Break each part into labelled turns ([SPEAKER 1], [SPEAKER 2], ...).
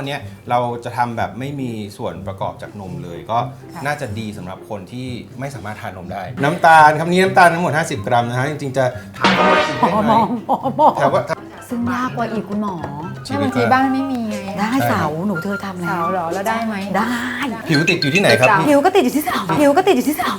[SPEAKER 1] เนี้ยเราจะทำแบบไม่มีส่วนประกอบจากนมเลยก็น่าจะดีสำหรับคนที่ไม่สามารถทานนมได้น้ำตาลครับนี้น้ำตาลทั้งหมด50 กรัมนะฮะจริงๆจะทำทั้งหมดกินได้ไหมแต่ว่า
[SPEAKER 2] ซึ่งยากกว่าอีกคุณหมอ
[SPEAKER 3] ใช่บางทีบ้านไม่มีไง
[SPEAKER 2] ได้เสาหนูเธอทำแล้ว
[SPEAKER 3] เสาเหรอแล้วได้ไหม
[SPEAKER 2] ได้
[SPEAKER 1] ผิวติดอยู่ที่ไหนครับ
[SPEAKER 2] ผิวก็ติดอยู่ที่เสาผิวก็ติดอยู่ที่เสา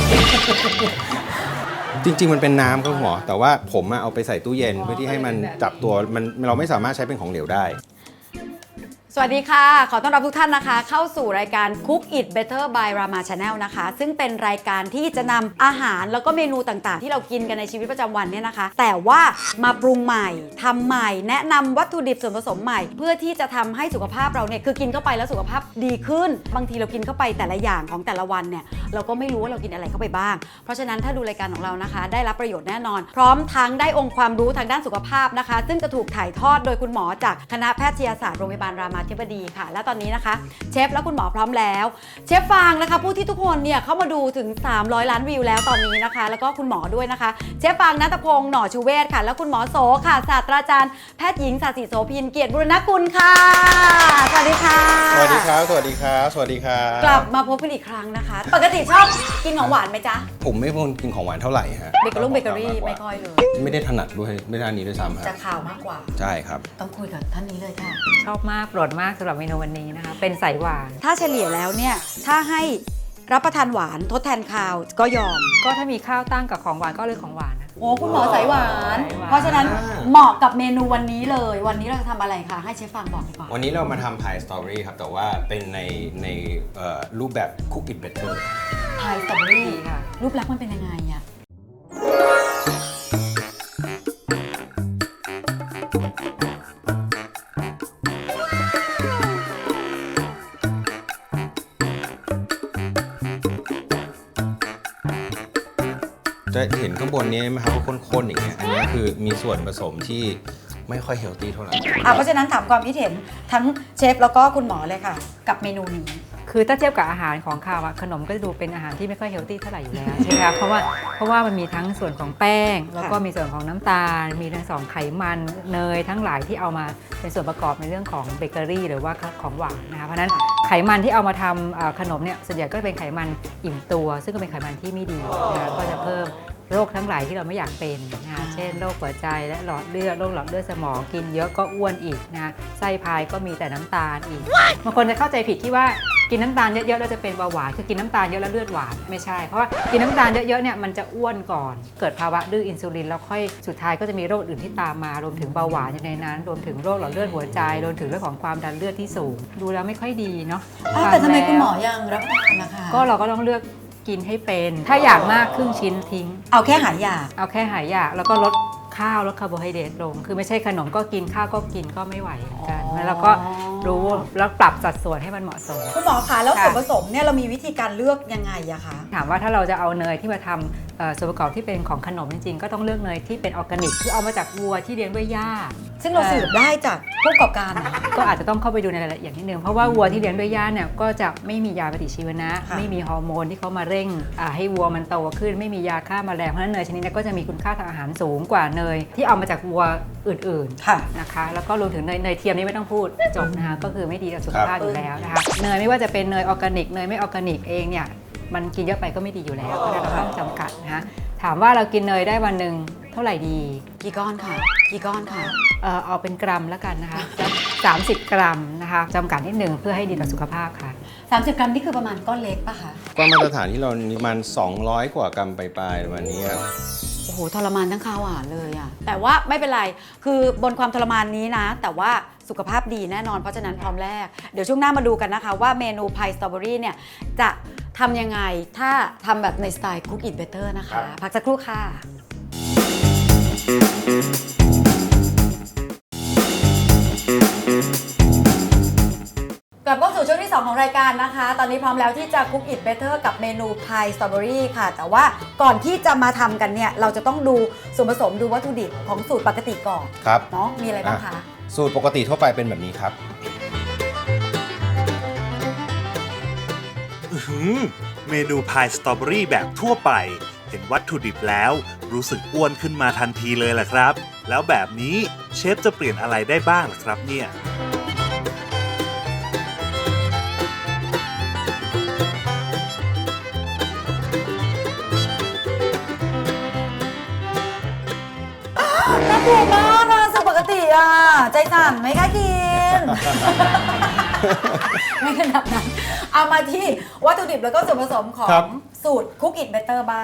[SPEAKER 1] จริงๆมันเป็นน้ำครับหมอแต่ว่าผมเอาไปใส่ตู้เย็นเพื่อที่ให้มันจับตัวมันเราไม่สามารถใช้เป็นของเหลวได้
[SPEAKER 2] สวัสดีค่ะขอต้อนรับทุกท่านนะคะเข้าสู่รายการ Cook It Better by Rama Channel นะคะซึ่งเป็นรายการที่จะนำอาหารแล้วก็เมนูต่างๆที่เรากินกันในชีวิตประจำวันเนี่ยนะคะแต่ว่ามาปรุงใหม่ทำใหม่แนะนำวัตถุดิบส่วนผสมใหม่เพื่อที่จะทำให้สุขภาพเราเนี่ยคือกินเข้าไปแล้วสุขภาพดีขึ้นบางทีเรากินเข้าไปแต่ละอย่างของแต่ละวันเนี่ยเราก็ไม่รู้ว่าเรากินอะไรเข้าไปบ้างเพราะฉะนั้นถ้าดูรายการของเรานะคะได้รับประโยชน์แน่นอนพร้อมทั้งได้องค์ความรู้ทางด้านสุขภาพนะคะซึ่งจะถูกถ่ายทอดโดยคุณหมอจากคณะแพทยศาสตร์โรงพยาบาลรามาธิบดีค่ะและตอนนี้นะคะเชฟและคุณหมอพร้อมแล้วเชฟฟางนะคะผู้ที่ทุกคนเนี่ยเข้ามาดูถึง300 ล้านวิวแล้วตอนนี้นะคะแล้วก็คุณหมอด้วยนะคะเชฟฟางณัฐพงษ์หน่อชูเวศค่ะและคุณหมอโสค่ะศาสตราจารย์แพทย์หญิงศาสิโสภินเกียรติบุรณกุลค่ะสวัสดีค่ะ
[SPEAKER 1] สวัสดีครับสวัสดีครับสวัสดีครับ
[SPEAKER 2] กลับมาพบกันอีกครั้งนะคะปกติชอบกินของหวานไหมจ๊ะ
[SPEAKER 1] ผมไม่เป็นคนกินของหวานเท่าไหร่ฮะ
[SPEAKER 2] เบเกอรี่ไม่ค่อยเลย
[SPEAKER 1] ไม่ได้ถนัดด้วยไม่ได้นี้ด้วยซ้ำฮะ
[SPEAKER 2] จะข่าวมากกว่า
[SPEAKER 1] ใช่ครับ
[SPEAKER 2] ต้องคุยกับท่านนี้เลยค่ะ
[SPEAKER 3] ชอบมากโปรดมากสำหรับเมนูวันนี้นะคะเป็นสายหวาน
[SPEAKER 2] ถ้าเฉลี่ยแล้วเนี่ยถ้าให้รับประทานหวานทดแทนข้าวก็ยอม
[SPEAKER 3] ก็ถ้ามีข้าวตั้งกับของหวานก็เลือกของหวานนะ
[SPEAKER 2] โอ้คุณหมอสายหวานเพราะฉะนั้นเหมาะกับเมนูวันนี้เลยวันนี้เราจะทำอะไรคะให้เชฟฟังบอกดีกว่า
[SPEAKER 1] วันนี้เรามาทำพายสตรอเบอรี่ครับแต่ว่าเป็นในรูปแบบ Cook It Better
[SPEAKER 2] พายสตรอเบอรี่ค่ะรูปลักษณ์มันเป็นยังไงอะ
[SPEAKER 1] จะเห็นข้างบนนี้ไหมครับว่าข้นๆอย่างเงี้ยอันนี้คือมีส่วนผสมที่ไม่ค่อยเฮลตี้เท่าไหร่
[SPEAKER 2] เพราะฉะนั้นถามความคิดเห็นทั้งเชฟแล้วก็คุณหมอเลยค่ะกับเมนูนี้
[SPEAKER 3] คือถ้าเทียบกับอาหารของข้าวขนมก็จะดูเป็นอาหารที่ไม่ค่อยเฮลตี้เท่าไหร่อยู่แล้วใช่ไหมคะเพราะว่ามันมีทั้งส่วนของแป้งแล้วก็มีส่วนของน้ำตาลมีทั้งสองไขมันเนยทั้งหลายที่เอามาเป็นส่วนประกอบในเรื่องของเบเกอรี่หรือว่าของหวานนะคะเพราะฉะนั้นไขมันที่เอามาทำขนมเนี่ยส่วนใหญ่ก็เป็นไขมันอิ่มตัวซึ่งก็เป็นไขมันที่ไม่ดีนะคะก็จะเพิ่มโรคทั้งหลายที่เราไม่อยากเป็นนะคะเช่นโรคหัวใจและหลอดเลือดโรคหลอดเลือดสมองกินเยอะก็อ้วนอีกนะไส้พายก็มีแต่น้ำตาลอีกบางคนจะเข้าใจผิดที่ว่ากินน้ำตาลเยอะๆแล้วจะเป็นเบาหวานคือกินน้ำตาลเยอะแล้วเลือดหวานไม่ใช่เพราะว่ากินน้ำตาลเยอะๆเนี่ยมันจะอ้วนก่อนเกิดภาวะดื้ออินซูลินแล้วค่อยสุดท้ายก็จะมีโรคอื่นที่ตามมารวมถึงเบาหวานอยู่ในนั้นรวมถึงโรคหลอดเลือดหัวใจรวมถึงเรื่องของความดันเลือดที่สูงดูแล้วไม่ค่อยดีเนาะ
[SPEAKER 2] แต่ทำไมคุณหมอยังรับประทานนะคะ
[SPEAKER 3] ก็เราก็ต้องเลือกกินให้เป็นถ้าอยากมากครึ่งชิ้นทิ้ง
[SPEAKER 2] เอาแค่หายอยาก
[SPEAKER 3] แล้วก็ลดข้าวลดคาร์โบไฮเดรตลงคือไม่ใช่ขนมก็กินข้าวก็กินก็ไม่ไหวเหมือนกันแล้วก็รู้แล้วปรับสัดส่วนให้มันเหมาะสม
[SPEAKER 2] คุณหมอคะแล้วส่วนผสมเนี่ยเรามีวิธีการเลือกยังไงอะคะ
[SPEAKER 3] ถามว่าถ้าเราจะเอาเนยที่มาทำส่วนประกอบที่เป็นของขนมจริงๆก็ต้องเลือกเนยที่เป็นออร์แกนิกคือเอามาจากวัวที่เลี้ยงด้วยหญ้า
[SPEAKER 2] ซึ่งเราสืบได้จากผู้ประกอบการ
[SPEAKER 3] ก็อาจจะต้องเข้าไปดูในรายละเอียดนิดนึงเพราะว่าวัวที่เลี้ยงด้วยหญ้าเนี่ยก็จะไม่มียาปฏิชีวนะไม่มีฮอร์โมนที่เขามาเร่งให้วัวมันโตขึ้นไม่มียาฆ่าแมลงเพราะฉะนั้นเนยชนิดนี้ก็จะมีคุณค่าทางอาหารสูงกว่าเนยที่เอามาจากวัวอื่นๆนะคะแล้วก็รวมถึงเนยเทียมนี่ไม่ต้องพูดจบนะคะก็คือไม่ดีต่อสุขภาพอยู่แล้วนะคะเนยไม่ว่าจะเป็นเนยออร์แกนิกเนยไม่ออร์แกนิกเองเนี่ยมันกินเยอะไปก็ไม่ดีอยู่แล้วเพราะฉะนั้นเราต้องจำกัดนะคะถามว่าเรากินเนยได้วันหนึ่งเท่าไหร่ดี
[SPEAKER 2] กี่ก้อนค่ะ
[SPEAKER 3] เอาเป็นกรัมแล้วกันนะคะ30 กรัมนะคะจำกัดนิดหนึ่งเพื่อให้ดีต่อสุขภาพค่ะ
[SPEAKER 2] 30 กรัมนี่คือประมาณก้อนเล็กป่ะคะ
[SPEAKER 1] ก้อนมาตรฐานที่เราประมาณ200 กว่ากรัมปลายๆวันนี้
[SPEAKER 2] โอ้โหทรมานทั้งข้าวหวานเลยอะแต่ว่าไม่เป็นไรคือบนความทรมานนี้นะแต่ว่าสุขภาพดีแน่นอนเพราะฉะนั้นพร้อมแรกเดี๋ยวช่วงหน้ามาดูกันนะคะว่าเมนูพายสตรอเบอรี่เนี่ยจะทำยังไงถ้าทำแบบในสไตล์ Cook It Better นะคะพักสักครู่ค่ะกลับเข้าสู่ช่วงที่2ของรายการนะคะตอนนี้พร้อมแล้วที่จะ Cook It Better กับเมนูพายสตรอเบอรี่ค่ะแต่ว่าก่อนที่จะมาทำกันเนี่ยเราจะต้องดูส่วนผสมดูวัตถุดิบของสูตรปกติก่อน
[SPEAKER 1] ครับ
[SPEAKER 2] เนาะมีอะไรบ้างคะ
[SPEAKER 1] สูตรปกติทั่วไปเป็นแบบนี้ครับ
[SPEAKER 4] เมนูพายสตรอเบอรี่แบบทั่วไปเห็นวัตถุดิบแล้วรู้สึกอ้วนขึ้นมาทันทีเลยล่ะครับแล้วแบบนี้เชฟจะเปลี่ยนอะไรได้บ้างล่ะครับเนี่ย
[SPEAKER 2] ถูกมากอะสุปกติอะใจสั่นไม่กล้ากิน ไม่ขนาดนั้น เอามาที่วัตถุดิบแล้วก็ส่วนผสมของ
[SPEAKER 1] ครับ
[SPEAKER 2] สูตร Cook It Better บ้าง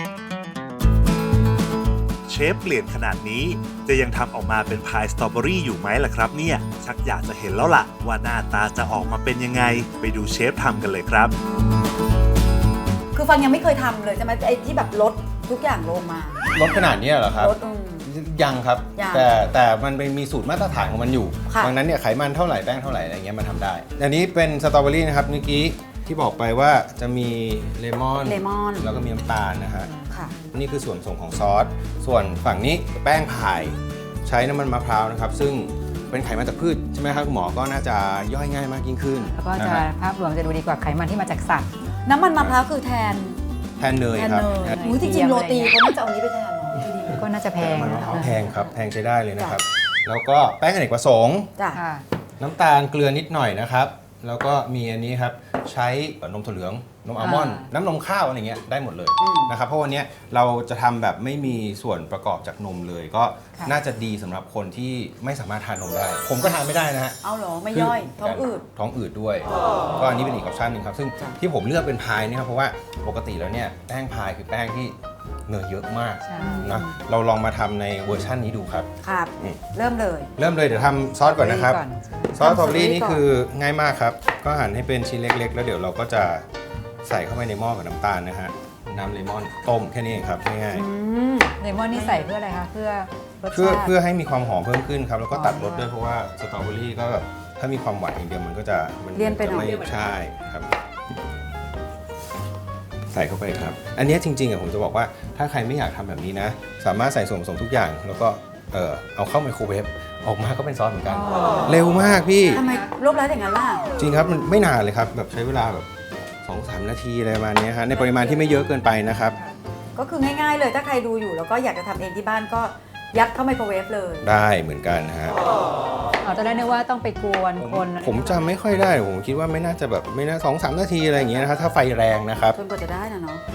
[SPEAKER 4] เชฟเปลี่ยนขนาดนี้จะยังทำออกมาเป็นพายสตรอเบอรี่อยู่ไหมล่ะครับเนี่ย ชักอยากจะเห็นแล้วล่ะ ว่าหน้าตาจะออกมาเป็นยังไง ไปดูเชฟทำกันเลยครับ
[SPEAKER 2] คือฟังยังไม่เคยทำเลยใช่ไหมไอ้ที่แบบลดทุกอย่างลงมา
[SPEAKER 1] ลดขนาดนี้เหรอครับ
[SPEAKER 2] ลด
[SPEAKER 1] ยังครับ
[SPEAKER 2] ยัง
[SPEAKER 1] แต่มันเป็นมีสูตรมาตรฐานของมันอยู่
[SPEAKER 2] ค่ะ
[SPEAKER 1] ดังนั้นเนี่ยไขมันเท่าไหร่แป้งเท่าไหร่อะไรเงี้ยมันทำได้ อันนี้เป็นสตรอเบอรี่นะครับเมื่อกี้ที่บอกไปว่าจะมีเลมอน
[SPEAKER 2] เลมอน
[SPEAKER 1] แล้วก็มีน้ำตาลนะฮะ
[SPEAKER 2] ค่ะ
[SPEAKER 1] นี่คือส่วนผสมของซอส ส่วนฝั่งนี้แป้งพายใช้น้ำมันมะพร้าวนะครับ ซึ่งเป็นไขมันจากพืชใช่ไหมครับคุณหมอ ก็น่าจะย่อยง่ายมากยิ่งขึ้น
[SPEAKER 3] แล้วก็
[SPEAKER 1] นะ
[SPEAKER 3] จะ
[SPEAKER 1] ฮะ
[SPEAKER 3] ภาพรวมจะดูดีกว่าไขมันที่มาจากสัตว์
[SPEAKER 2] น้ำมันมะพร้าวคือแทน
[SPEAKER 1] แทนเนย
[SPEAKER 2] แทน
[SPEAKER 1] ครับ
[SPEAKER 2] เนยอุ้ยจริงๆโรตีเขาน่าจะเอานี้ไปแทนเนาะที่ดี
[SPEAKER 3] ก็น่าจะแพง
[SPEAKER 1] มัน
[SPEAKER 3] นะ
[SPEAKER 1] มะพ
[SPEAKER 3] คะ
[SPEAKER 1] ร้าวแพงครับแพงใช้ได้เลยนะครับ แล้วก็แป้งอเนกประสงค์
[SPEAKER 2] จ้ะ
[SPEAKER 3] ค่ะ
[SPEAKER 1] น้ำตาลเกลือนิดหน่อยนะครับ แล้วก็มีอันนี้ครับใช้นมถั่วเหลือง นมอัลมอนด์ น้ำนมข้าวอะไรเงี้ยได้หมดเลยนะครับ เพราะวันเนี้ยเราจะทำแบบไม่มีส่วนประกอบจากนมเลย ก็
[SPEAKER 3] ค่ะ
[SPEAKER 1] น่าจะดีสำหรับคนที่ไม่สามารถทานนมได้ ผมก็ทานไม่ได้นะฮะ
[SPEAKER 2] เอาเหรอไม่ย่อยท้องอืด
[SPEAKER 1] ท้องอืดด้วย ก็อันนี้เป็นอีกออปชั่นหนึ่งครับ ซึ่ง
[SPEAKER 2] จ้ะ
[SPEAKER 1] ที่ผมเลือกเป็นพายเนี่ยครับเพราะว่าปกติแล้วเนี่ยแป้งพายคือแป้งที่เนยเยอะมาก
[SPEAKER 3] ใช่
[SPEAKER 1] นะเราลองมาทำในเวอร์ชันนี้ดูครับ
[SPEAKER 2] ครับ
[SPEAKER 1] อืม
[SPEAKER 2] เริ่มเลย
[SPEAKER 1] เริ่มเลยเดี๋ยวทำซอสก่อนนะครับ
[SPEAKER 3] ก่อน
[SPEAKER 1] ซอสสตรอเบอรี่
[SPEAKER 2] ทำสตรอเบอรี่
[SPEAKER 1] นี่
[SPEAKER 2] ก่อน
[SPEAKER 1] คือง่ายมากครับ ก็หั่นให้เป็นชิ้นเล็ก ๆ แล้วเดี๋ยวเราก็จะใส่เข้าไปในหม้อกับน้ำตาลนะฮะ น้ำเลมอนต้มแค่นี้เองครับง่าย
[SPEAKER 3] เลมอนนี่ใส่เพื่ออะไรคะเพื่อรส
[SPEAKER 1] ๆ
[SPEAKER 3] ชาติ
[SPEAKER 1] เพื่อให้มีความหอมเพิ่มขึ้นครับ แล้วก็ตัดรสด้วยเพราะว่าสตรอเบอรี่ก็แบบถ้ามีความหวานอย่างเดียวมันก็จะมั
[SPEAKER 2] เลี่ยนไปหน่อย
[SPEAKER 1] จะม่ใช่ครับ ใส่เข้าไปครับ อันเนี้ยจริงๆผมจะบอกว่าถ้าใครไม่อยากทำแบบนี้นะ สามารถใส่ส่วนผสมทุกอย่าง แล้วก็เอาเข้าไมโครเวฟออกมาก็เป็นซอสเหมือนกัน เร็วมากพี่
[SPEAKER 2] ทำไมรวบรัดอย่างนั้นล่ะ
[SPEAKER 1] จริงครับมันไม่นานเลยครับ แบบใช้เวลาแบบ 2-3 นาทีอะไรประมาณเนี้ยฮะในปริมาณที่ไม่เยอะเกินไปนะครับ
[SPEAKER 2] ก็คือง่ายๆเลยถ้าใครดูอยู่แล้วก็อยากจะทำเองที่บ้านก็ยัดเข้าไมโครเวฟเลย
[SPEAKER 1] ได้เหมือนกันฮะ
[SPEAKER 3] ตอนแรกนึกว่าต้องไปกวนคน
[SPEAKER 1] ผมจำไม่ค่อยได้ผมคิดว่าไม่น่าจะแบบไม่น่า2-3 นาทีอะไรอย่างเงี้ยนะครับถ้าไฟแรงนะครับ
[SPEAKER 2] จนกว่าจะได้นะเนาะ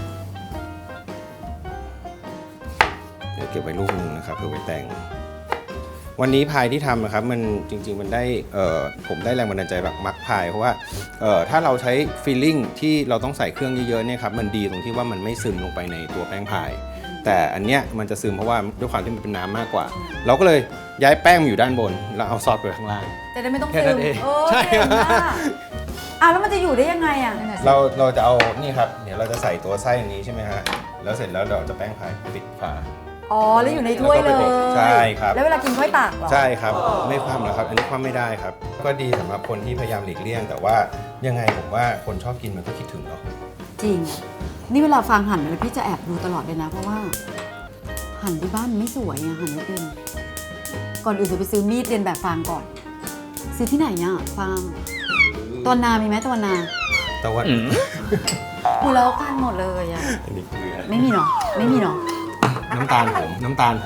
[SPEAKER 1] เดี๋ยวเก็บไว้ลูกหนึงนะครับเผื่อไว้แต่ง วันนี้พายที่ทำนะครับมันจริงๆมันได้ผมได้แรงบันดาลใจแบบมักพายเพราะว่าถ้าเราใช้ฟีลลิ่งที่เราต้องใส่เครื่องเยอะๆเนี่ยครับมันดีตรงที่ว่ามันไม่ซึมลงไปในตัวแป้งพาย แต่อันเนี้ยมันจะซึมเพราะว่าด้วยความที่มันเป็นน้ำมากกว่า เราก็เลยย้ายแป้งมาอยู่ด้านบน แล้วเอาซอสไปข้างล่าง
[SPEAKER 2] จะได้ไม่ต้อง
[SPEAKER 1] แค่
[SPEAKER 2] ซึ
[SPEAKER 1] นั้
[SPEAKER 2] ม
[SPEAKER 1] นเอง
[SPEAKER 2] โอ้
[SPEAKER 1] ใช่
[SPEAKER 2] เก่งมากอ้าวแล้วมันจะอยู่ได้ยังไงอ่ะ
[SPEAKER 3] นั่นน่ะสิ
[SPEAKER 1] เราจะเอานี่ครับเดี๋ยวเราจะใส่ตัวไส้อันนี้ใช่ไหมฮะแล้วเสร็จแล้วเราจะแป้งพายปิดฝา
[SPEAKER 2] อ๋อแล้วอยู่ในถ้วยเลย
[SPEAKER 1] ใช่ครับ
[SPEAKER 2] แล้วเวลากินค่อยตักเหรอ
[SPEAKER 1] ใช่ครับไม่คว่ำนะครับ อันนี้คว่ำไม่ได้ครับ ก็ดีสำหรับคนที่พยายามหลีกเลี่ยง แต่ว่ายังไงผมว่าคนชอบกินมันก็คิดถึงเนาะ
[SPEAKER 2] จริง นี่เวลาฟังหั่นอะไรพี่จะแอบดูตลอดเลยนะ เพราะว่า หั่นที่บ้านไม่สวยอะหั่นไม่เป็นก่อนอื่นจะไปซื้อมีดเรียนแบบฟางก่อน ซื้อที่ไหนอะฟางตอนนามีไหมตอนนา
[SPEAKER 1] แต่ว่า
[SPEAKER 2] หูแล้วกันหมดเลยอะ
[SPEAKER 1] อันนี้เกลือ
[SPEAKER 2] ไม่มีเนาะไม่มีเนาะ
[SPEAKER 1] น้ำตาลผม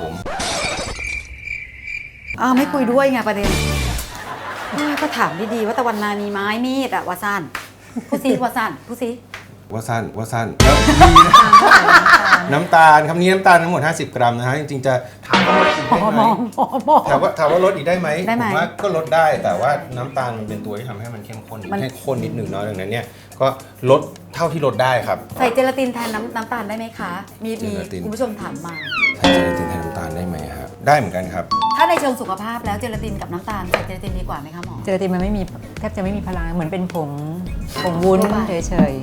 [SPEAKER 2] อ้าวไม่คุยด้วยไงประเด็นก็ถามดีๆว่าตะวันนามีไม้มีดอะวาซันผู้ซีวาซันผู้ซี
[SPEAKER 1] ว่าสั้นแล้วมีนะน้ำตาลครับนี่น้ำตาลทั้งหมด 50 กรัมนะฮะจริงๆจะถามว่าลดอีกได้ไหมถามว่าลดอีกได้ไหม
[SPEAKER 2] ได้ไหม
[SPEAKER 1] ผมว่าก็ลดได้แต่ว่าน้ำตาลมันเป็นตัวที่ทำให้มันเข้มข้นให้ข้นนิดหนึ่งเนาะดังนั้นเนี่ยก็ลดเท่าที่ลดได้ครับ
[SPEAKER 2] ใส่เจลาตินแทนน้ำตาลได้ไหมคะ มี
[SPEAKER 1] เจลาติน
[SPEAKER 2] คุณผู้ชมถามมา
[SPEAKER 1] ใส่เจลาตินแทนน้ำตาลได้ไหมครับได้เหมือนกันครับ
[SPEAKER 2] ถ้าในเชิงสุขภาพแล้วเจลาตินกับน้ำตาลใส่เจลาตินดีกว่าไหมคะหมอ
[SPEAKER 3] เจลาตินมันไม่มีแทบจะไม่มีพลังเหมือนเป็นผงวุ้น
[SPEAKER 2] ทั่วไป
[SPEAKER 3] เฉย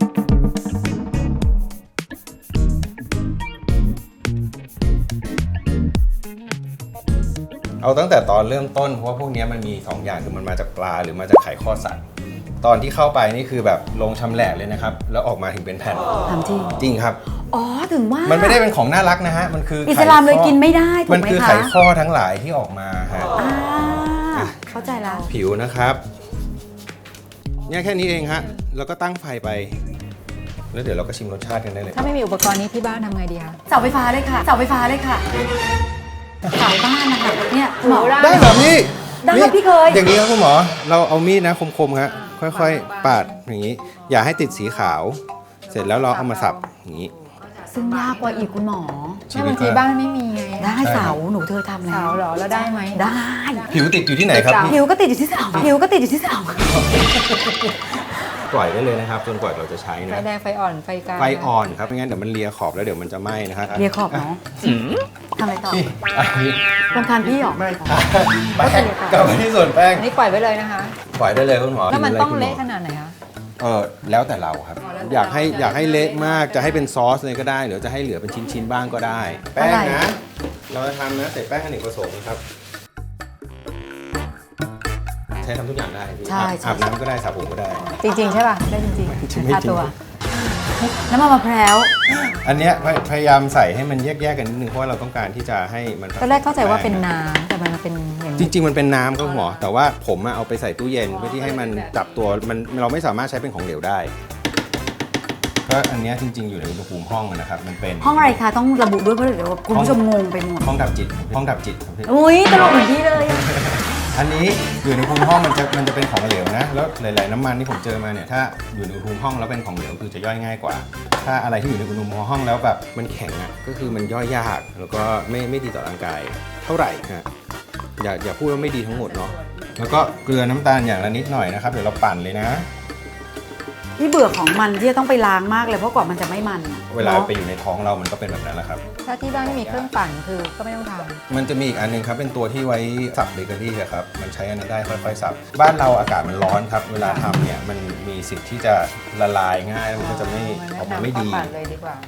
[SPEAKER 1] เอาตั้งแต่ตอนเริ่มต้นเพราะว่าพวกเนี้ยมันมี2อย่างคือมันมาจากปลาหรือมาจากไข่ข้อสัตว์ตอนที่เข้าไปนี่คือแบบลงชำแหละเลยนะครับแล้วออกมาถึงเป็นแผ่น
[SPEAKER 2] ถามจริง
[SPEAKER 1] จริงครับ
[SPEAKER 2] อ๋อถึงว่า
[SPEAKER 1] มันไม่ได้เป็นของน่ารักนะฮะมันคือ
[SPEAKER 2] อิ
[SPEAKER 1] อิ
[SPEAKER 2] สลามเลยกินไม่ได้ถูกไหมคะ
[SPEAKER 1] มันคือไข่ข้อทั้งหลายที่ออกมาฮะ
[SPEAKER 2] เข้าใจแล้ว
[SPEAKER 1] ผิวนะครับเนี่ยแค่นี้เองฮะแล้วก็ตั้งไฟไป แล้วเดี๋ยวเราก็ชิมรสชาติกันได้เลย
[SPEAKER 3] ๆถ้าไม่มีอุปกรณ์นี้ที่บ้านทำไงดีคะ
[SPEAKER 2] เสาไฟฟ้าเลยค่ะเสาไฟฟ้าเลยค่ะเสาบ้านนะคะเนี่ยหมอ
[SPEAKER 1] ได้เหรอพี่
[SPEAKER 2] ได้
[SPEAKER 1] นี่
[SPEAKER 2] พี่เคย
[SPEAKER 1] อย่างนี้ครับคุณหมอเราเอามีดนะคมๆฮะค่อยๆปาดอย่างนี้ อย่าให้ติดสีขาว เสร็จแล้วเราเอามาสับอย่างนี้
[SPEAKER 2] ซึ่งยากกว่าอีกคุณหมอ
[SPEAKER 3] แค่บางทีบ้านไม่มีไง
[SPEAKER 2] ได้เสาหนูเธอทำแล้ว
[SPEAKER 3] เสาเหรอแล้วได้ไหม
[SPEAKER 2] ได้
[SPEAKER 1] ผิวติดอยู่ที่ไหนครับ
[SPEAKER 2] ผิวก็ติดอยู่ที่เสาผิวก็ติดอยู่ที่เสา
[SPEAKER 1] ปล่อยได้เลยนะครับจนกว่าเราจะใช้
[SPEAKER 3] ไฟ
[SPEAKER 1] นะ
[SPEAKER 3] แดงไฟอ่อนไฟกลาง
[SPEAKER 1] ไฟอ่อนครับไม่งั้นเดี๋ยวมันเลียขอบแล้วเดี๋ยวมันจะไหม้นะครับ
[SPEAKER 2] เรียกขอบเนาะทำอะไรต่อ
[SPEAKER 1] นี่อันนี้
[SPEAKER 2] รำคาญพี่หรอ
[SPEAKER 1] ไม่แป้งกลับมาที่ส่วนแป้ง
[SPEAKER 3] อันนี้ปล่อยไว้เลยนะคะ
[SPEAKER 1] ปล่อยได้เลยคุณหมอ
[SPEAKER 3] แล้วมันต้อง
[SPEAKER 1] คุณห
[SPEAKER 3] เละขนาดไหนคะ
[SPEAKER 1] แล้วแต่เราครับ
[SPEAKER 3] อ๋อแล้วแต่
[SPEAKER 1] อยากให้
[SPEAKER 3] เรา
[SPEAKER 1] อยากให้เละมากจะให้เป็นซอสเลยก็ได้หรือจะให้เหลือเป็นชิ้นๆบ้างก็ได้ แป้งนะ เราจะทำนะใส่แป้งอเนกประสงค์ครับใช้ทำทุกอย่างได้พี่
[SPEAKER 2] ใช่
[SPEAKER 1] อาบน้ำก็ได้สระผมก็ได้
[SPEAKER 3] จริงๆใช่ป่ะได้จริง
[SPEAKER 1] ไม่จริง
[SPEAKER 3] ๆทาตัว
[SPEAKER 2] น้ำมันมะพร้าว
[SPEAKER 1] อันเนี้ยพยายามใส่ให้มันแยกๆกันนิดนึงเพราะว่าเราต้องการที่จะให้มัน
[SPEAKER 3] ตอนแรกเข้าใจว่าเป็นน้ำแต่มันเป็นอย่าง
[SPEAKER 1] จ
[SPEAKER 3] นี้
[SPEAKER 1] ริง ๆ มันเป็นน้ำครับคุณหมอแต่ว่าผมอะเอาไปใส่ตู้เย็นเพื่อที่ให้มันจับตัวมันเราไม่สามารถใช้เป็นของเหลวได้ก็อันเนี้ยจริง ๆ อยู่ในอุณหภูมิห้องนะครับมันเป็น
[SPEAKER 2] ห้องอะไรคะต้องระบุด้วยเพราะเดี๋ยวคุณผู้ชมงงไปหมด
[SPEAKER 1] ห้องดับจิตครับพี่
[SPEAKER 2] อุ้ยตลกเหมือนพี่เลย
[SPEAKER 1] อันนี้อยู่ในอุณหภูมิห้องมันจะเป็นของเหลวนะแล้วหลายๆน้ำมันที่ผมเจอมาเนี่ยถ้าอยู่ในอุณหภูมิห้องแล้วเป็นของเหลวคือจะย่อยง่ายกว่า ถ้าอะไรที่อยู่ในอุณหภูมิห้องแล้วแบบมันแข็งอ่ะก็คือมันย่อยยากแล้วก็ไม่ดีต่อร่างกายเท่าไหร่ฮะอย่าพูดว่าไม่ดีทั้งหมดเนาะแล้วก็เกลือน้ำตาลอย่างละนิดหน่อยนะครับเดี๋ยวเราปั่นเลยนะ
[SPEAKER 2] พี่เบื่อของมันที่จะต้องไปล้างมากเลยเพราะกว่ามันจะไม่มันอะ
[SPEAKER 1] เวลา
[SPEAKER 2] นะ
[SPEAKER 1] ไปอยู่ในท้องเรามันก็เป็นแบบนั้นแหละครับ
[SPEAKER 3] ถ้าที่บ้านไม่มีเครื่องปั่นคือก็ไม่ต้องทำ
[SPEAKER 1] มันจะมีอีกอันหนึงครับเป็นตัวที่ไว้สับเบเกอรี่อะครับมันใช้อันนั้นได้ค่อยๆสับบ้านเราอากาศมันร้อนครับเวลาทำเนี่ยมันมีสิทธิ์ที่จะละลายง่ายแล้วมันก็จะไม่ออกมาไม่ดี
[SPEAKER 3] ปั่นเลยดีกว่า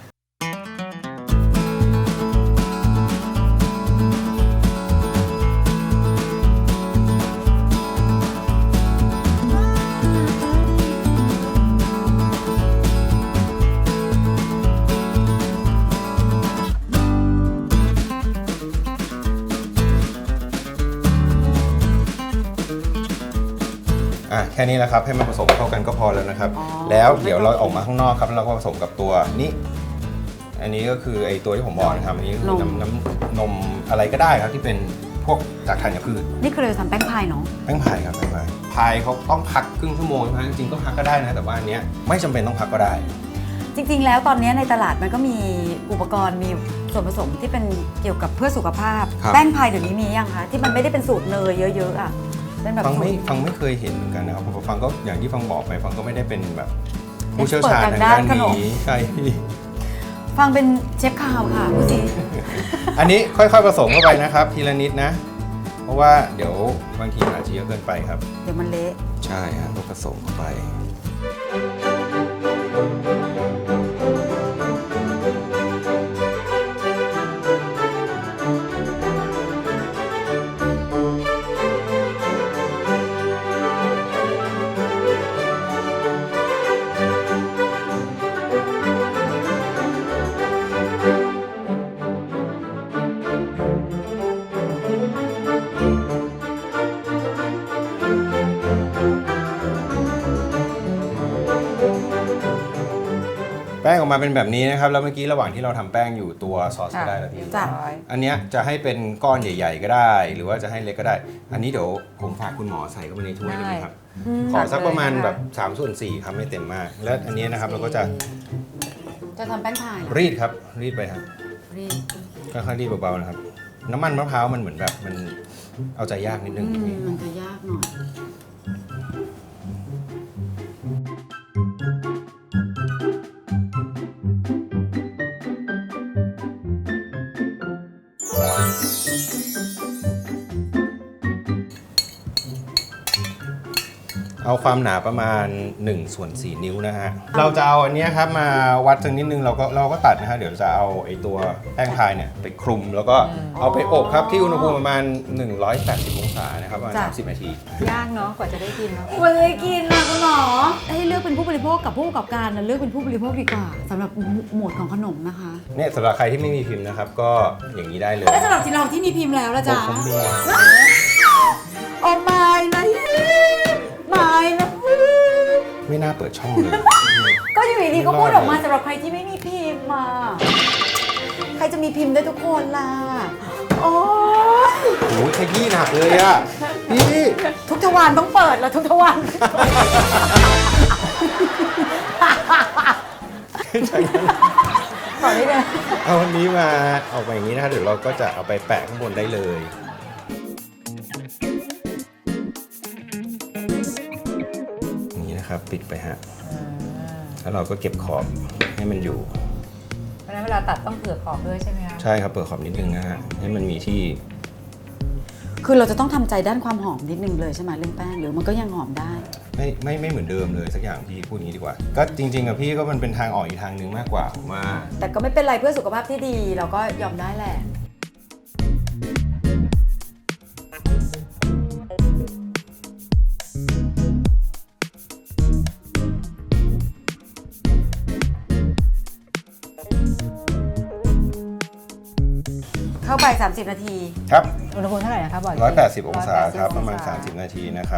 [SPEAKER 1] แค่นี้แหละครับให้มันผสมเข้ากันก็พอแล้วนะครับ
[SPEAKER 2] อ๋อ
[SPEAKER 1] แล้วเดี๋ยวเราออกมาข้างนอกครับแล้วเราก็ผสมกับตัวนี้อันนี้ก็คือไอตัวที่ผมบอกนะครับอันนี้คือน้ำนมอะไรก็ได้ครับที่เป็นพวกจากธัญพืช
[SPEAKER 2] นี่คือเราทำแป้งพายเนาะ
[SPEAKER 1] แป้งพายครับแป้งพายพายเขาต้องพักครึ่งชั่วโมงนะจริงๆก็พักก็ได้นะแต่ว่าอันเนี้ยไม่จำเป็นต้องพักก็ได้
[SPEAKER 2] จริงๆ แล้วตอนนี้ในตลาดมันก็มีอุปกรณ์มีส่วนผสมที่เป็นเกี่ยวกับเพื่อสุขภาพ
[SPEAKER 1] ครับ
[SPEAKER 2] แป้งพายเดี๋ยวนี้มียังคะที่มันไม่ได้เป็นสูตรเนยเยอะๆอ่ะเป็นแบบ
[SPEAKER 1] ฟัง
[SPEAKER 2] สูตร
[SPEAKER 1] ไม่เคยเห็นเหมือนกันนะครับผมฟังก็อย่างที่ฟังบอกไปฟังก็ไม่ได้เป็นแบบผู้เชี่ยวชาญ
[SPEAKER 2] Expert
[SPEAKER 1] ทางด้าน
[SPEAKER 2] ทางด้านขนม
[SPEAKER 1] นี้ใช่
[SPEAKER 2] ฟังเป็นเชฟข่าวค่ะผู้สิ
[SPEAKER 1] อันนี้ค่อยๆผสมเข้าไปนะครับทีละนิดนะ เพราะว่าเดี๋ยวบางทีมันอาจจะเยอะเกินไปครับ
[SPEAKER 2] เดี๋ยวมันเละ
[SPEAKER 1] ใช่ฮะต้องผสมเข้าไป แป้งออกมาเป็นแบบนี้นะครับแล้วเมื่อกี้ระหว่างที่เราทำแป้งอยู่ตัวซอสก็ได้แล้วพี่
[SPEAKER 2] จ้ะ
[SPEAKER 1] อันเนี้ยจะให้เป็นก้อนใหญ่ ๆ ก็ได้ หรือว่าจะให้เล็กก็ได้ อันนี้เดี๋ยวผมฝากคุณหมอใส่เข้าไปในถ้วยได้ไหมครับขอสักประมาณแบบ3/4ครับไม่เต็มมาก แล้วอันนี้นะครับเราก็จะ
[SPEAKER 2] จะทำแป้งพายเหรอ
[SPEAKER 1] รีดครับรีดไปครับ
[SPEAKER 2] รีด
[SPEAKER 1] ค่อยๆรีดเบาๆนะครับ น้ำมันมะพร้าวมันเหมือนแบบมันเอาใจยากนิดนึง
[SPEAKER 2] มันจะยากหน่อย
[SPEAKER 1] เอาความหนาประมาณ1/4 นิ้วนะฮะ เราจะเอาอันเนี้ยครับมาวัดสักนิดนึงเราก็ตัดนะฮะเดี๋ยวจะเอาไอ้ตัวแป้งพายเนี่ยไปคลุมแล้วก็เอาไปอบครับที่อุณหภูมิประมาณ180องศานะครับประมาณ30 นาที
[SPEAKER 3] ยากเนาะกว่าจะได้กินเนาะ
[SPEAKER 2] ควรเลยกินนะคุณหมอให้เลือกเป็นผู้บริโภคกับผู้ประกอบการนะเลือกเป็นผู้บริโภคดีกว่าสำหรับหมวดของขนมนะคะ
[SPEAKER 1] เนี่ยสำหรับใครที่ไม่มีพิมพ์นะครับก็อย่างนี้ได้เลย
[SPEAKER 2] แล้วสำหรับที่เราที่มีพิมพ์แล้วละจ๊ะ
[SPEAKER 1] ผมมี
[SPEAKER 2] โอ้ไม่นะไม่นะ
[SPEAKER 1] ไม่น่าเปิดช่องเลย
[SPEAKER 2] ก็อยู่ดีๆก็พูดออกมาสำหรับใครที่ไม่มีพิมพ์มาใครจะมีพิมพ์ได้ทุกคนล่ะโอ้ย
[SPEAKER 1] โอ้ยขยี้หนักเลยอ่ะพี่
[SPEAKER 2] ทุกทวารต้องเปิดแล้วทุกทวาร
[SPEAKER 1] ใช่
[SPEAKER 2] ต่อได้เลย
[SPEAKER 1] เอาวันนี้มาออกมาอย่างนี้นะคะเดี๋ยวเราก็จะเอาไปแปะข้างบนได้เลยอย่างนี้นะครับปิดไปฮะแล้วเราก็เก็บขอบให้มันอยู่
[SPEAKER 3] เพราะฉะนั้นเวลาตัดต้องเผื่อขอบด้วยใช่ไหมคะ
[SPEAKER 1] ใช่ครับเปิดขอบนิดนึงนะฮะให้มันมีที่
[SPEAKER 2] คือเราจะต้องทำใจด้านความหอมนิดนึงเลยใช่ไหมเรื่องแป้งหรือมันก็ยังหอมได้
[SPEAKER 1] ไม่เหมือนเดิมเลยสักอย่างพี่พูดอย่างนี้ดีกว่า ก็จริงๆกับพี่ก็มันเป็นทางออกอีกทางหนึ่งมากกว่าผมว่า
[SPEAKER 2] แต่ก็ไม่เป็นไรเพื่อสุขภาพที่ดีเราก็ยอมได้แหละ เข้าไป 30 นาที
[SPEAKER 1] ครับ
[SPEAKER 3] อุณหภูมิเท่าไหร่นะคะบอกอีกที
[SPEAKER 1] 180 องศาครับ
[SPEAKER 3] 180
[SPEAKER 1] ประมาณ
[SPEAKER 3] องศ
[SPEAKER 1] 30 นาทีนะครับ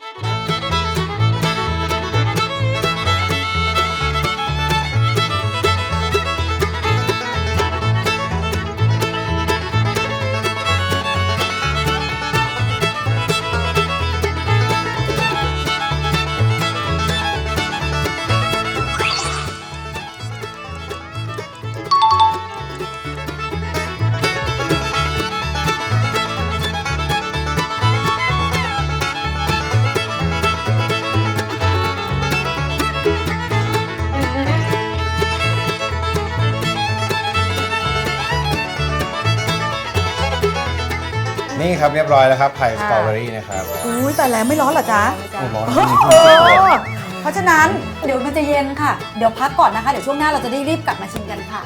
[SPEAKER 1] นี่ครับเรียบร้อยแล้วครับพายสตรอเบอรี่นะครับ
[SPEAKER 2] อุ้ยแต่แล้วไม่ร้อนเหรอจ๊ะ
[SPEAKER 1] โอ้ร้อน
[SPEAKER 2] โอ้เพราะฉะนั้นเดี๋ยวมันจะเย็นค่ะ เดี๋ยวพักก่อนนะคะ เดี๋ยวช่วงหน้าเราจะได้รีบกลับมาชิมกันค่ะ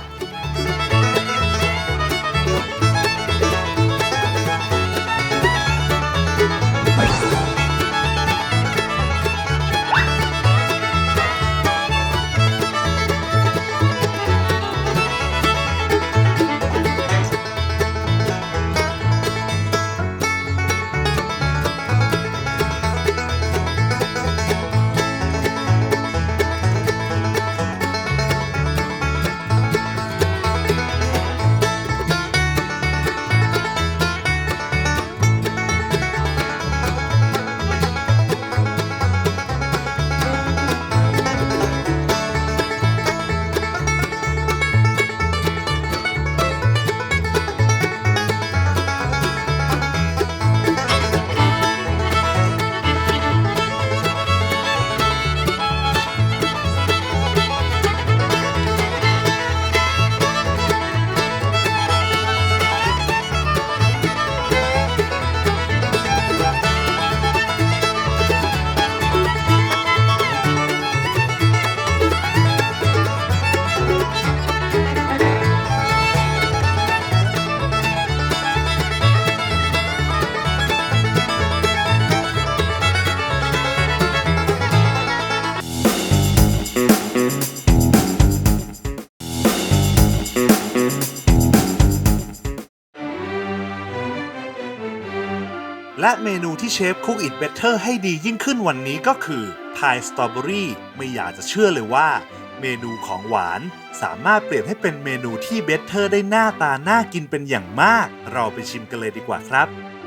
[SPEAKER 4] และเมนูที่เชฟคุกอิ t เบเตอร์ให้ดียิ่งขึ้นวันนี้ก็คือพายสตรอเบอรี่ไม่อยากจะเชื่อเลยว่า เมนูของหวานสามารถเปลี่ยนให้เป็นเมนูที่เบเตอร์ได้หน้าตาน่ากินเป็นอย่างมาก เราไปชิมกันเลยดีกว่าครับ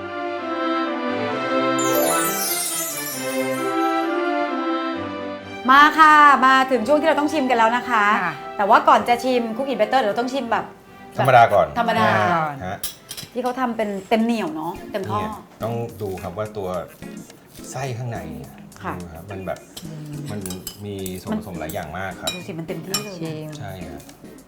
[SPEAKER 2] มาค่ะ มาถึงช่วงที่เราต้องชิมกันแล้วนะคะ
[SPEAKER 3] ค่ะ
[SPEAKER 2] แต่ว่าก่อนจะชิมคุกกี้เบเตอร์เดี๋ยวเราต้องชิมแบบ
[SPEAKER 1] ธรรมดาก่อน
[SPEAKER 2] ธรรมดา
[SPEAKER 1] ฮะ
[SPEAKER 2] ที่เขาทำเป็นเต็มเหนียวเนาะเต็มท่อ
[SPEAKER 1] เนี่ยต้องดูครับว่าตัวไส้ข้างในเนี่ย
[SPEAKER 2] ค่ะ
[SPEAKER 1] ดูครับมันแบบมันมีส่วนผสมหลายอย่างมากครับ
[SPEAKER 2] ดูสิมันเต็มที่เลย
[SPEAKER 3] ชิม
[SPEAKER 1] ใช่ครับ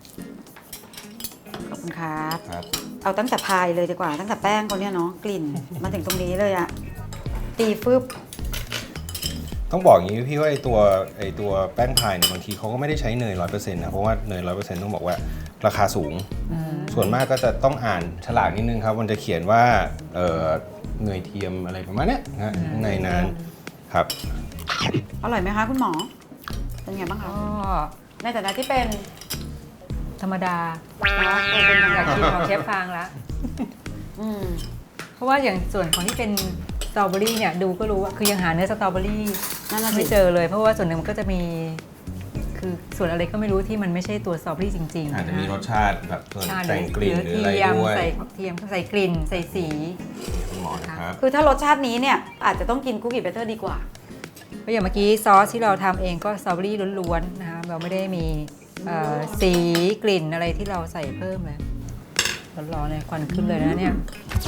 [SPEAKER 2] ขอบคุณครับ
[SPEAKER 1] ครับ
[SPEAKER 2] เอาตั้งแต่พายเลยดีกว่า ตั้งแต่แป้งเขาเนี่ยเนาะกลิ่น มาถึงตรงนี้เลยอะตีฟึบ
[SPEAKER 1] ต้องบอกอย่างนี้พี่ว่าไอตัวแป้งพายเนี่ยบางทีเขาก็ไม่ได้ใช้เนย 100% นะเพราะว่าเนย 100% ต้องบอกว่าราคาสูง ส่วนมากก็จะต้องอ่านฉลากนิดนึงครับมันจะเขียนว่าเนยเทียมอะไรประมาณเนี้ยนะข้างในนั้นครับ
[SPEAKER 2] อร่อยไหมคะคุณหมอ เป็นไงบ้างคะ
[SPEAKER 3] ก็
[SPEAKER 2] ในฐานะที่เป็น
[SPEAKER 3] ธรรมดา
[SPEAKER 2] เนาะเป็นยัง
[SPEAKER 3] อ
[SPEAKER 2] ไง
[SPEAKER 3] ยากชิมของเชฟฟางละ
[SPEAKER 2] อืม
[SPEAKER 3] เพราะว่าอย่างส่วนของที่เป็นสตรอเบอรี่เนี่ยดูก็รู้ว่าคือยังหาเนื้อสตรอเบอรี่
[SPEAKER 2] นั่นน่ะสิ
[SPEAKER 3] ไม่เจอเลย เพราะว่าส่วนหนึ่งมันก็จะมีคือส่วนอะไรก็ไม่รู้ที่มันไม่ใช่ตัวสตรอเบอรี่จริงๆ
[SPEAKER 1] อาจจะมีรสชาติแบบส่วน
[SPEAKER 3] ชาติ
[SPEAKER 1] แต่งกลิ่นหรืออะไร
[SPEAKER 3] เทียม
[SPEAKER 1] ด้วย
[SPEAKER 3] ใส่เทียมใส่กลิ่นใส่สี
[SPEAKER 1] คุณหมอนะครับ
[SPEAKER 2] คือถ้ารสชาตินี้เนี่ยอาจจะต้องกินคุกกี้เบเตอร์ดีกว่า
[SPEAKER 3] เพราะอย่างเมื่อกี้ซอสที่เราทำเองก็สตรอเบอรี่ล้วนๆนะคะเราไม่ได้มีสีกลิ่นอะไรที่เราใส่เพิ่มเลยร้อนๆเลยควันขึ้นเลยนะเนี่ย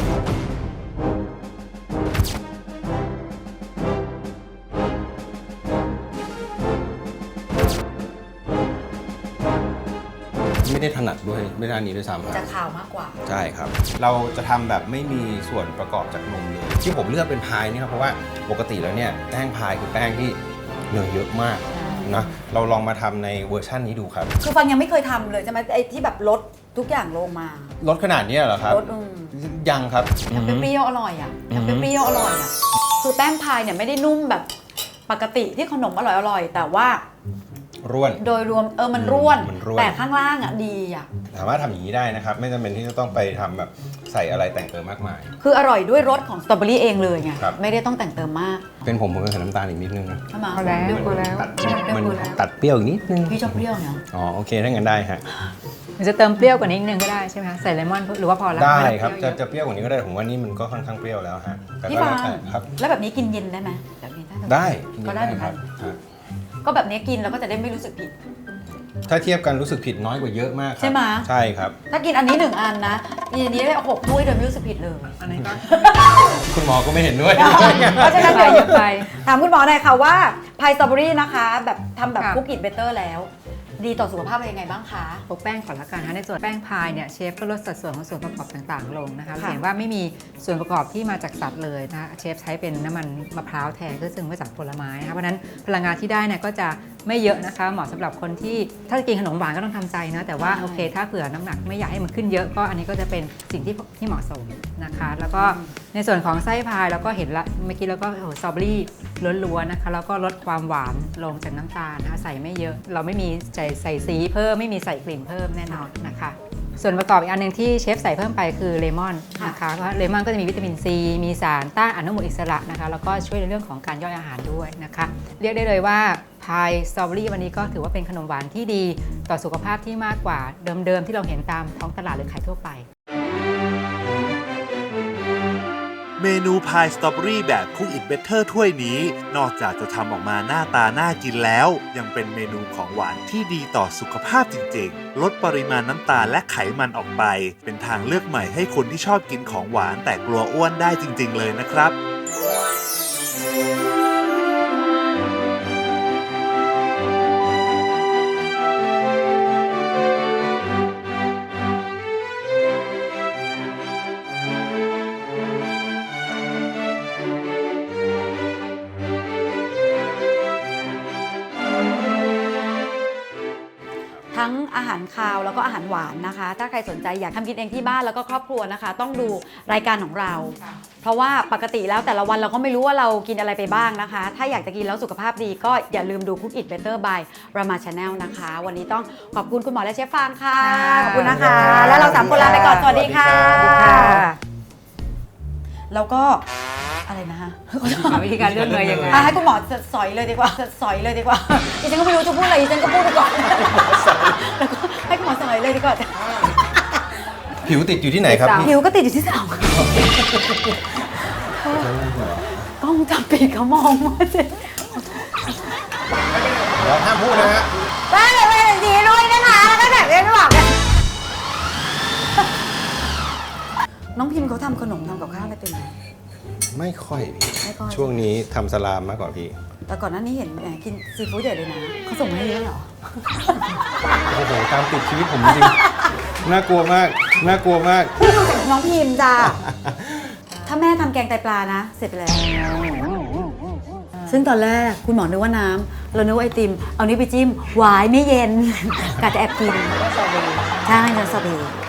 [SPEAKER 1] ไม่ได้ถนัดด้วยไม่ด้านนี้ด้วยซ้ำค
[SPEAKER 2] จะ
[SPEAKER 1] รับ
[SPEAKER 2] ขาวมากกว่า
[SPEAKER 1] ใช่ครับ เราจะทำแบบไม่มีส่วนประกอบจากนมเลย ที่ผมเลือกเป็นพายนี่ครับเพราะว่าปกติแล้วเนี่ยแป้งพายคือแป้งที่เนยเยอะมากนะเราลองมาทำในเวอร์ชันนี้ดูครับ
[SPEAKER 2] คือฟังยังไม่เคยทำเลยใช่ไหมไอ้ที่แบบลดทุกอย่างลงมา
[SPEAKER 1] ลดขนาดนี้เหรอครับ
[SPEAKER 2] ลด
[SPEAKER 1] ยังครับ
[SPEAKER 2] ทำเปรี้ยวๆอร่อยอ่ะทำเปรี้ยวๆอร่อยอ่ะคือแป้งพายเนี่ยไม่ได้นุ่มแบบปกติที่ขนมอร่อยๆแต่ว่า
[SPEAKER 1] ร่วน
[SPEAKER 2] โดยรวมมันร่วน
[SPEAKER 1] มันร่วน
[SPEAKER 2] แต่ข้างล่างอ่ะดีอ่ะ
[SPEAKER 1] สามารถทำอย่างนี้ได้นะครับ ไม่จำเป็นที่จะต้องไปทำแบบใส่อะไรแต่งเติมมากมาย
[SPEAKER 2] คืออร่อยด้วยรสของสตรอเบอรี่เองเลยไง
[SPEAKER 1] ครับ
[SPEAKER 2] ไม่ได้ต้องแต่งเติมมาก
[SPEAKER 1] เป็นผมก็ใส่น้ำตาลอีกนิดนึงนะ
[SPEAKER 2] ใช่ไหม
[SPEAKER 3] พอแล้วพอแล้ว
[SPEAKER 1] มันตัดเปรี้ยวอีกนิดนึง
[SPEAKER 2] พี่ชอบเปรี้ยวเนาะ
[SPEAKER 1] อ๋อโอเคถ้างั้นได้ฮะ
[SPEAKER 3] มันจะเติมเปรี้ยวกว่านี้นิดนึงก็ได้ใช่ไหมคะใส่เลมอนหรือว่าพอแล้ว
[SPEAKER 1] ได้
[SPEAKER 3] ม่
[SPEAKER 1] ครับ
[SPEAKER 3] เปยว
[SPEAKER 1] จะเปรี้ยวกว่านี้ก็ได้ผมว่านี่มันก็ค่อนข้างเปรี้ยวแล้วฮะแต่
[SPEAKER 2] พี่
[SPEAKER 1] ก็
[SPEAKER 2] ฟา
[SPEAKER 1] แล้ว
[SPEAKER 2] ง
[SPEAKER 1] แต่ครับ
[SPEAKER 2] แล้วแบบนี้กินเย็นได้ไหมแบบนี้
[SPEAKER 1] ได้
[SPEAKER 2] ก็ได้เหมือนกัน
[SPEAKER 1] ฮะ
[SPEAKER 2] ก็แบบนี้กินแล้วก็จะได้ไม่รู้สึกผิด
[SPEAKER 1] ถ้าเทียบกันรู้สึกผิดน้อยกว่าเยอะมากครับ
[SPEAKER 2] ใช่ไหม
[SPEAKER 1] ใช่ครับ
[SPEAKER 2] ถ้ากินอันนี้1 อันนะกินอันนี้ได้6 ถ้วยโดยไม่รู้สึกผิดเลย
[SPEAKER 3] อันนี้ก็
[SPEAKER 1] คุณหมอก็ไม่เห็นด้วย
[SPEAKER 2] เพราะฉะนั้น
[SPEAKER 3] ไป
[SPEAKER 2] เดี๋ยว
[SPEAKER 3] ไป
[SPEAKER 2] ถามคุณหมอหน่อยค่ะว่าพายสตรอเบอรี่นะคะ แบบทำแบบ
[SPEAKER 3] ค่ะ
[SPEAKER 2] คุกอิทเบเตอร์แล้ว ดีต่อสุขภาพเป็นยังไงบ้างคะ
[SPEAKER 3] พวกแป้งก่อนละกันนะคะในส่วนแป้งพายเนี่ยเชฟก็ลดสัดส่วนของส่วนประกอบต่างๆ ลงนะคะ
[SPEAKER 2] ค่ะ
[SPEAKER 3] เห็นว่าไม่มีส่วนประกอบที่มาจากสัตว์เลยนะคะเชฟใช้เป็นน้ำมันมะพร้าวแทนซึ่งมาจากผลไม้นะคะเพราะฉะนั้นพลังงานที่ได้เนี่ยก็จะไม่เยอะนะคะเหมาะสำหรับคนที่ถ้าจะกินขนมหวานก็ต้องทำใจนะแต่ว่าโอเค ถ้าเผื่อน้ำหนักไม่อยากให้มันขึ้นเยอะก็อันนี้ก็จะเป็นสิ่งที่เหมาะสมนะคะ แล้วก็ในส่วนของไส้พายเราก็เห็นละเมื่อกี้เราก็สตรอเบอรี่ล้วนๆนะคะแล้วก็ลดความหวานลงจากน้ำตาลนะคะใส่ไม่เยอะ เราไม่มีใส่สีเพิ่มไม่มีใส่กลิ่นเพิ่มแน่นอนนะคะ ส่วนประกอบอีกอันหนึ่งที่เชฟใส่เพิ่มไปคือเลมอนนะคะเพราะเลมอนก็จะมีวิตามินซีมีสารต้านอนุมูลอิสระนะคะแล้วก็ช่วยในเรื่องของการย่อยอาหารด้วยนะคะเรียกได้เลยว่าพายสตรอเบอรี่วันนี้ก็ถือว่าเป็นขนมหวานที่ดีต่อสุขภาพที่มากกว่าเดิมๆที่เราเห็นตามท้องตลาดหรือขายทั่วไป
[SPEAKER 4] เมนูพายสตรอเบอรี่แบบคุกอิ t เบเตอร์ถ้วยนี้ นอกจากจะทำออกมาหน้าตาน่ากินแล้ว ยังเป็นเมนูของหวานที่ดีต่อสุขภาพจริงๆ ลดปริมาณน้ำตาลและไขมันออกไป เป็นทางเลือกใหม่ให้คนที่ชอบกินของหวานแต่กลัวอ้วนได้จริงๆเลยนะครับ
[SPEAKER 2] ทั้งอาหารคาวแล้วก็อาหารหวานนะคะ ถ้าใครสนใจอยากทำกินเองที่บ้านแล้วก็ครอบครัวนะคะ ต้องดูรายการของเรา เพราะว่าปกติแล้วแต่ละวันเราก็ไม่รู้ว่าเรากินอะไรไปบ้างนะคะ ถ้าอยากจะกินแล้วสุขภาพดีก็อย่าลืมดู Cook It Better by Rama Channel นะคะ วันนี้ต้องขอบคุณคุณหมอและเชฟฟางค่ะ ขอบคุณนะคะ แล้วเรา3 คนลาไปก่อน สวัสดีค่ะ แล้วก็อะไรนะคะ
[SPEAKER 3] วิธีการเลือกเลยยังไง
[SPEAKER 2] ให้คุณหมอสอยเลยดีกว่าสอยเลยดีกว่าดิฉันก็ไม่รู้จะพูดอะไรดิฉันก็พูดไปก่อนแล้วก็ให้คุณหมอสอยเลยดีกว่า
[SPEAKER 1] ผิวติดอยู่ที่ไหนครับพี่
[SPEAKER 2] ผิวก็ติดอยู่ที่เสา กล้องจับปิดเขามองมาสิ
[SPEAKER 1] เราห้ามพูดนะฮะ
[SPEAKER 2] ได้เลยไปสีด้วยนะคะแล้วก็แบบเล่นหวังน้องพิมเขาทำขนมทำกับข้าวอะไรเป็นไหม
[SPEAKER 1] ไม่ค่อยพี่
[SPEAKER 2] ไม่ค่อย
[SPEAKER 1] ช่วงนี้ทำสลามมากกว่าพี่
[SPEAKER 2] แต่ก่อนหน้านี้เห็นแหมกินซีฟู้ดใหญ่เลยนะเขาส่งมาให้เยอะเหรอ
[SPEAKER 1] โอ้โหตามติดชีวิตผมจริงๆน่ากลัวมากน่ากลัวมาก
[SPEAKER 2] น้องพิมจ้าถ้าแม่ทำแกงไตปลานะ เสร็จไปแล้ว ซึ่งตอนแรกคุณหมอนึกว่าน้ำเรานึกว่าไอติม เอานี้วไปจิ้มหวายไม่เย็นกะจะแอบกินใช่เนยสตรอเบอรี่